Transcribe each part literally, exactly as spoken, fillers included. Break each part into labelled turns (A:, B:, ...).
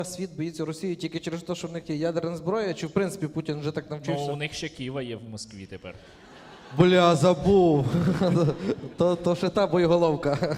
A: світ боїться Росії тільки через те, що в них є ядерна зброя, чи в принципі Путін вже так навчився?
B: Ну, у них ще Києва є в Москві тепер.
A: Бля, забув. то, то ще та боєголовка.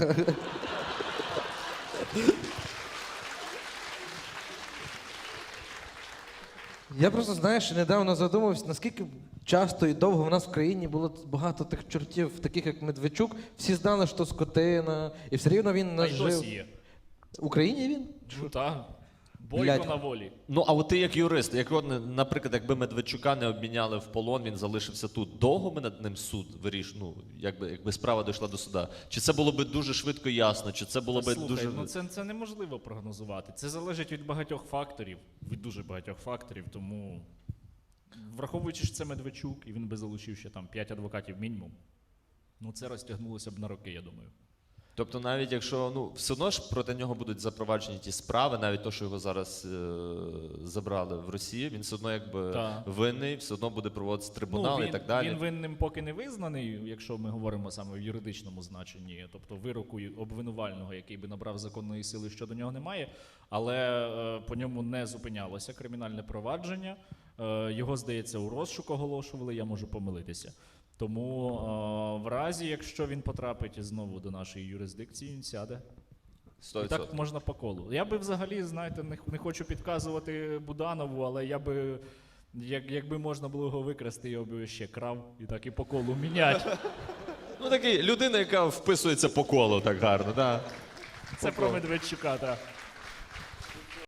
A: Я просто, знаєш, недавно задумався, наскільки часто і довго в нас в країні було багато тих чортів, таких як Медведчук. Всі знали, що скотина, і все рівно він
B: Та
A: нас
B: й
A: жив.
B: досі є.
A: В Україні він?
B: Ну так. Бойко
A: Блядь.
B: на волі.
C: Ну, а от ти як юрист, як, от, наприклад, якби Медведчука не обміняли в полон, він залишився тут. Довго ми над ним суд виріш, ну, якби, якби справа дійшла до суда? Чи це було би дуже швидко і ясно, чи це було би
B: Слухай,
C: дуже...
B: ну це, це неможливо прогнозувати. Це залежить від багатьох факторів, від дуже багатьох факторів, тому враховуючи, що це Медведчук, і він би залучив ще там п'ять адвокатів мінімум, ну це розтягнулося б на роки, я думаю.
C: Тобто навіть якщо, ну, все одно ж проти нього будуть запроваджені ті справи, навіть то, що його зараз е- забрали в Росії, він все одно якби
B: Так.
C: винний, все одно буде проводитися трибунал
B: він,
C: і так далі.
B: Він винним поки не визнаний, якщо ми говоримо саме в юридичному значенні, тобто вироку обвинувального, який би набрав законної сили, щодо нього немає, але е, по ньому не зупинялося кримінальне провадження. Е, його, здається, у розшук оголошували, я можу помилитися. Тому е, в разі, якщо він потрапить знову до нашої юрисдикції, він сяде.
C: сто
B: І
C: відсотків.
B: так можна по колу. Я би взагалі, знаєте, не, не хочу підказувати Буданову, але я би, як, якби можна було його викрасти, я би ще крав і так і по колу міняти.
C: Ну, такий людина, яка вписується по колу так гарно, так.
B: Це про Медведчука, так.